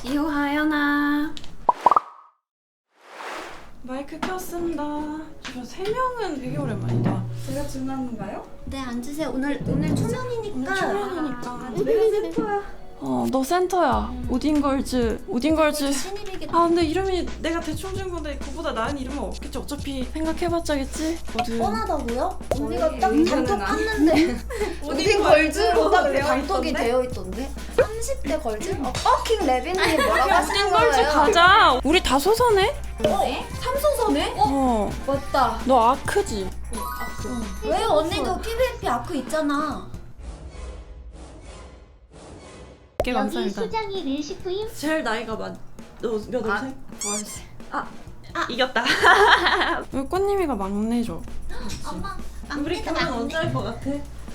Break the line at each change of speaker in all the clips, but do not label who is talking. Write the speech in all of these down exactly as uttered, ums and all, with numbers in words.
이호하연아. 마이크 켰습니다. 저 세 명은 되게 오랜만이다.
제가 중요한가요?
네, 앉으세요. 오늘 오늘 초면이니까.
오늘 초면이니까.
아, 내가 센터야.
어, 너 센터야. 오딘걸즈. 오딘걸즈.
신입이겠다.
아, 근데 이름이 내가 대충 지은 건데 그보다 나은 이름은 없겠지. 어차피 생각해봤자겠지. 모두.
뻔하다고요? 언니가
거의
딱
인생은
단톡
아니-
팠는데
오딘 걸즈로 딱 되어
단톡이
있던데?
되어 있던데? 삼십 대 걸즈? 어, 퍼킹 레빈님 뭐라고 하시는
오딘걸즈
거예요?
가자. 우리 다 소서네?
어? 삼소서네? 어?
어.
맞다.
너 아크지?
왜 언니도 피비에이피 아크 있잖아.
꽤
여기
감사합니다.
수장이 르시프임.
제일 나이가 많. 너몇
아,
월생?
월세.
아, 아 이겼다. 우리 꽃님이가 막내죠.
엄마,
우리 결혼 언제 할 것 같아?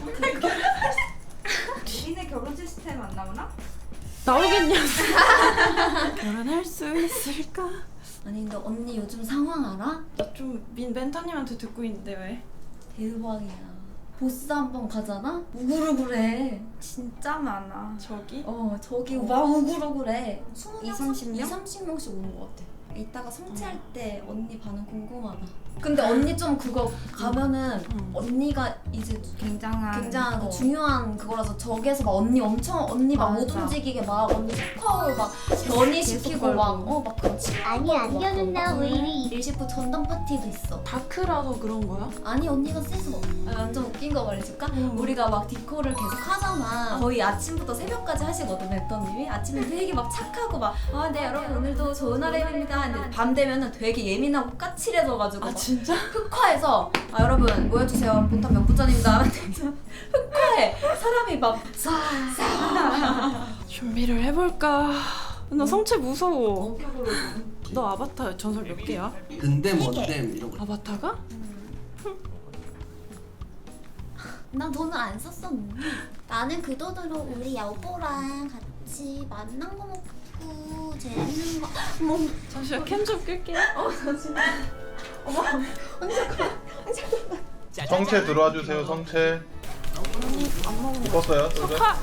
니네 결혼 시스템 안 나오나?
나오겠냐? 결혼할 수 있을까?
아니 근데 언니 요즘 상황 알아?
나좀민 멘토님한테 듣고 있는데 왜?
대박이야. 보스 한 번 가잖아? 우글우글해.
진짜 많아.
저기?
어 저기 막 우글우글해.
이, 삼십 명?
이, 삼십 명씩 오는 것 같아. 이따가 성취할 때 언니 반응 궁금하다. 근데 언니 좀 그거 가면은
응.
언니가 이제
굉장한
굉장한 그
어.
중요한 그거라서 저기에서 막 언니 엄청 언니 막 못
맞아.
움직이게 막 언니 속화울 막 변이시키고
계속
막 어 막 그
아니 안겨는나 왜 이리
일시프 전담 파티도 있어.
다크라서 그런 거야?
아니 언니가 세서 아, 완전 웃긴 거 말해줄까?
응.
우리가 막 디코를 계속 하잖아. 거의 아침부터 새벽까지 하시거든 멘토님이. 아침에 되게 막 착하고 막 아 네 여러분 오늘도 좋은 하루입니다. 근데 밤 되면은 되게 예민하고 까칠해져가지고
아
막
진짜?
흑화해서 아 여러분 모여주세요. 본탑 몇 분전입니다. 흑화해. 사람이 막싹싹
준비를 해볼까? 나 성체 무서워. 너 아바타 전설 몇 개야?
근데 뭔데 이런 거.
아바타가?
난 돈을 안 썼어.
나는 그 돈으로 우리 여보랑 같이 만난 거 먹고 재밌는 거.
잠시만 캠 좀 끌게.
성채 들어와 주세요. 성채.
안 먹는 거.
묶었어요. 쫄배.
석화!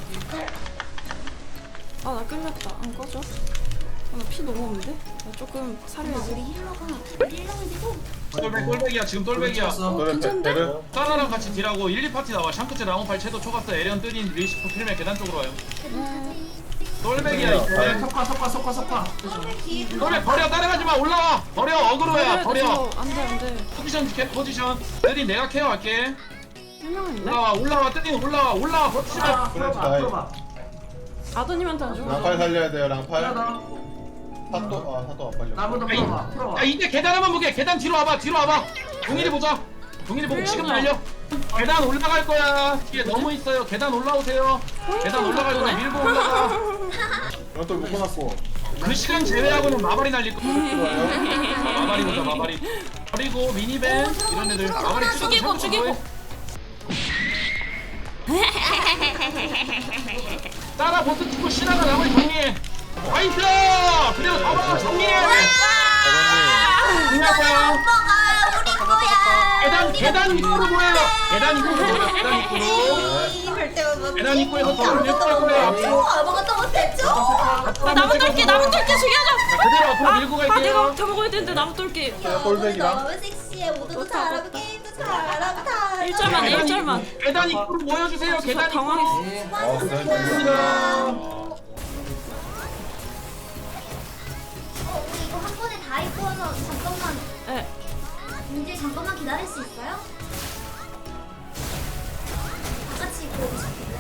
아, 나 끌렸다. 안 꺼져. 아, 나 피 너무 없는데? 나 조금 살려야지.
우리 힐러가 힐러가 되고
똘백 똘백이야 지금 똘백이야.
쫄배
괜찮은데?
베르.
사라랑 같이 딜하고 일, 이 파티 나와. 샹크츠 라운팔 채도 초가스 에리언 뜨린 리시프 필메 계단 쪽으로 와요. 똘백이야 이제.
석화 석화 석화 석화.
똘백 버려 따라가지 마 올라와. 버려 어그로야 버려.
안돼 안돼.
포지션 캡 포지션. 뜨린 내가 케어할게.
설명했네?
올라와 올라와 뜨린 올라와 올라와 버티지 마.
프렌치 다이.
아드님한테 안 주고.
랑팔 살려야 돼요. 랑팔. 사또 아 사또 안 빨려.
나부터
야, 이-
풀어봐 풀어봐.
야 이제 계단 한번 보게. 계단 뒤로 와봐 뒤로 와봐. 동일이 보자. 동일이 보고 지금 달려. 계단 올라갈 거야. 뒤에 너무 있어요. 계단 올라오세요. 계단 올라갈 거야. 밀고 올라가.
이건 또 묶어놨고.
그 시간 제외하고는 마발이 날릴 거야. 마발이 보자 마발이. 그리고 미니밴 이런 애들 마발이 찍어서
죽이고, 죽이고.
따라 버튼 찍고 신화가 나머지 정리해. 화이트! 그리고 잡아 정리해. 정리할 거야.
우리 거야.
계단 계단 입구로 모여요. 계단 입구로 모여. 계단 입구로. 계단 입구에서 또 밀고 갈 거야.
아무것도 못했죠?
아, 나무 똘끼 나무 똘끼 죽여줘.
그대로 앞으로 밀고
아, 내가
갈게요.
다 먹어야 되는데 나무 똘끼.
똘백이랑.
너무 섹시해. 모두도 잘하고 게임도 잘하고 다.
일 절만 일 절만.
계단 입구로 모여주세요.
저
계단 입구로.
당황했어.
아 그래.
감사합니다.
어, 우리 이거 한 번에 다 입고 와서 잠깐만.
네.
이제 잠깐만 기다릴 수 있어요? 다 같이 입고 오고 싶길래.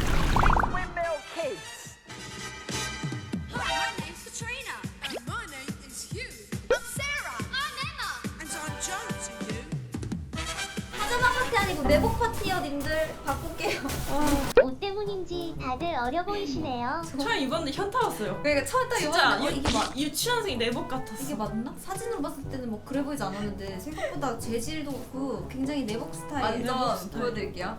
Hi, my name's Katrina. And my name is Hugh. Sarah. I'm Emma. And I'm Joan to you.
파자마 파티 아니고 내복 파티요, 님들. 바꿀게요.
옷 때문인지 다들 어려 보이시네요.
처음 입었는데 현타 왔어요.
그러니까 처음 딱
진짜
입었는데 어, 이게 맞
유치원생 내복 같았어.
이게 맞나? 사진으로 봤을 때는 뭐 그래 보이지 않았는데 생각보다 재질도 그렇고 굉장히 내복 스타일.
완전 스타일.
보여드릴게요.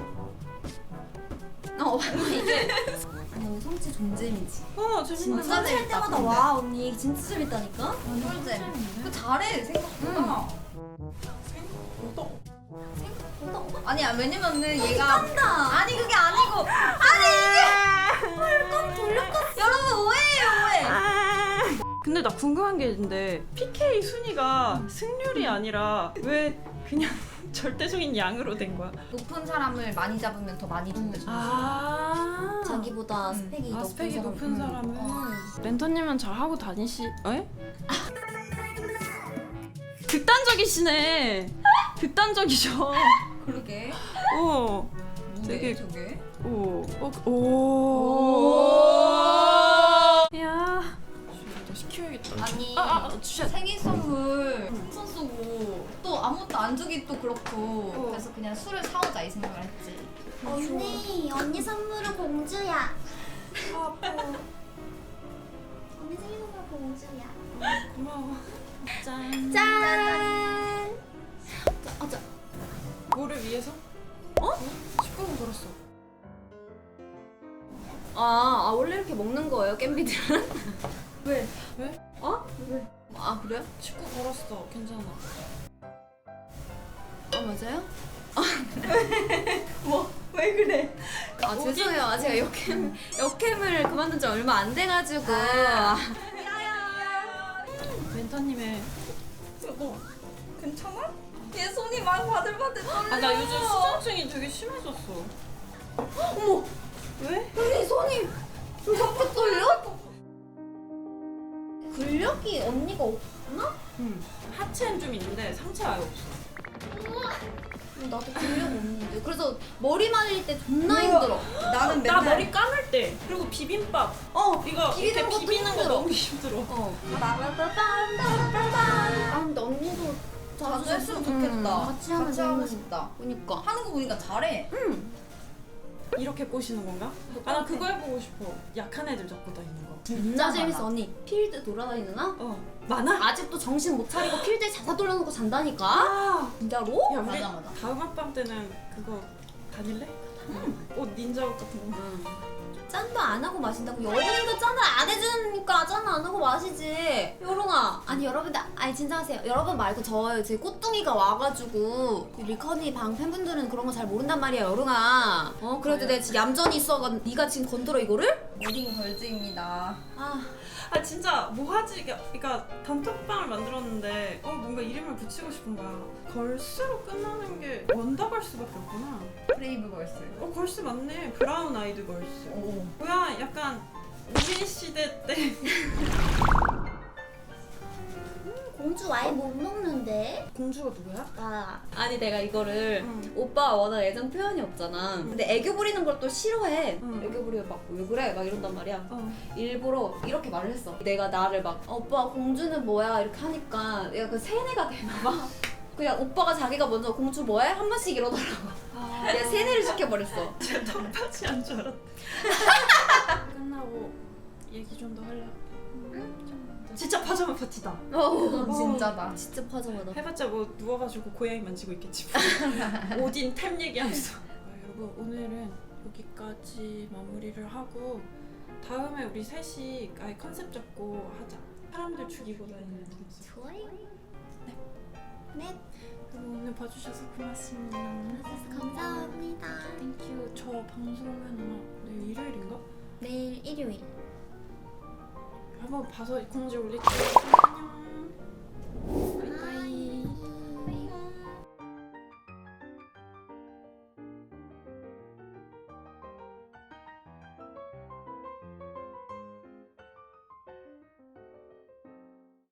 어, 이게 언니 성취 존잼이지.
어,
진짜
재밌는데.
할 때마다 와 언니 진짜 재밌다니까. 꿀잼. 그 잘해 생각보다. 아니야 왜냐면은 얘가 한다. 아니 그게 아니고 아니 이게 물건 돌려봤어. 여러분 오해예요 오해.
근데 나 궁금한 게 있는데 피케이 순위가 승률이 아니라 왜 그냥 절대적인 양으로 된 거야?
높은 사람을 많이 잡으면 더 많이 준대.
아
자기보다 스펙이
아,
높은
스펙이
사람.
높은 사람은 멘토님은 잘 하고 다니시. 에? 극단적이시네. 극단적이죠.
그러게.
오.
뭔데
되게-
저게?
오. 어, 오. 야. 너 시켜야겠다.
아니
아, 아, 아, 주셔.
생일 선물 풍선 쏘고 또 아무것도 안 주기 또 그렇고
어.
그래서 그냥 술을 사오자 이 생각을 했지.
언니, 언니 선물은 공주야.
아, 아파.
언니 생일 선물 공주야.
고마워. 짠.
짠.
아, 저,
뭐를 위해서? 어? 십구 분 걸었어.
아, 아 원래 이렇게 먹는 거예요 겜비들은?
왜?
어? 왜? 아 그래요?
십구 걸었어. 괜찮아.
아 맞아요?
왜 그래?
아 죄송해요. 아, 제가 역캠 역캠을 그만둔 지 얼마 안 돼가지고.
멘토님의 뭐?
괜찮아? 얘 손이 막 바들바들 떨려.
아 나 요즘 수전증이 되게 심해졌어.
어머,
왜?
언니 손이 왜 자꾸 떨려? 근력이 언니가 없나?
응. 하체는 좀 있는데 상체 아예 없어.
나도 근력 없는데. 그래서 머리 말릴 때 존나 힘들어.
나는
나
맨날
머리 감을 때 그리고 비빔밥 어 이거
비비는
이렇게
것도
비비는 거
힘들어.
너무 힘들어.
어. 아 근데 언니도
자주
자주
했으면
음,
좋겠다.
같이 하면
하고
너무
싶다.
그니까.
하는 거 보니까 잘해.
이렇게 꼬시는 건가? 아 나 그거 해보고 싶어. 약한 애들 잡고 다니는 거.
진짜
많아.
재밌어 언니. 필드 돌아다니나?
어 많아?
아직도 정신 못 차리고 필드에 자사 돌려놓고 잔다니까?
아.
진짜로?
야 우리
맞아, 맞아.
다음 합방 때는 그거 다닐래? 옷 닌자 옷 같은 거.
짠도 안 하고 마신다고? 여름이가 짠을 안 해주니까 짠 안 하고 마시지. 여롱아. 아니 여러분들 아니 진정하세요. 여러분 말고 저 제 꽃둥이가 와가지고 리커니 방 팬분들은 그런 거 잘 모른단 말이야 여롱아. 어 그래도 내가 지금 얌전히 있어가 네가 지금 건드려 이거를?
모딩 걸즈입니다.
아
아 진짜 뭐 하지? 그러니까 단톡방을 만들었는데 어 뭔가 이름을 붙이고 싶은 거야. 걸스로 끝나는 게 원더걸스밖에 없구나.
브레이브 걸스.
어 걸스 맞네. 브라운 아이드 걸스.
오.
뭐야 약간 우리 시대 때
공주 아예 못 먹는데.
공주가 누구야?
나
아니 내가 이거를
응.
오빠 워낙 애정 표현이 없잖아. 근데 애교 부리는 걸 또 싫어해.
응.
애교 부리면 막 왜 그래? 막 이런단 말이야.
어.
일부러 이렇게 말을 했어. 내가 나를 막 어, 오빠 공주는 뭐야 이렇게 하니까 내가 그 세뇌가 되나봐. 그냥 오빠가 자기가 먼저 공주 뭐해? 한 번씩 이러더라고.
아.
내가 세뇌를 시켜버렸어.
제 턱받이 한 줄 알았다. 끝나고 얘기 좀 더 할래. 진짜 파자마 파티다.
어,
진짜다.
진짜 파자마다.
해봤자 뭐 누워가지고 고양이 만지고 있겠지. 오딘 템 얘기하면서. 아, 여러분 오늘은 여기까지 마무리를 하고 다음에 우리 셋이 아예 컨셉 잡고 하자. 사람들 죽이고 다니는 컨셉.
좋아요. 네. 네.
여러분 오늘 봐주셔서 고맙습니다.
감사합니다.
땡큐. 저 방송은 내일 일요일인가?
내일 일요일.
한번 봐서 공지 올릴게요.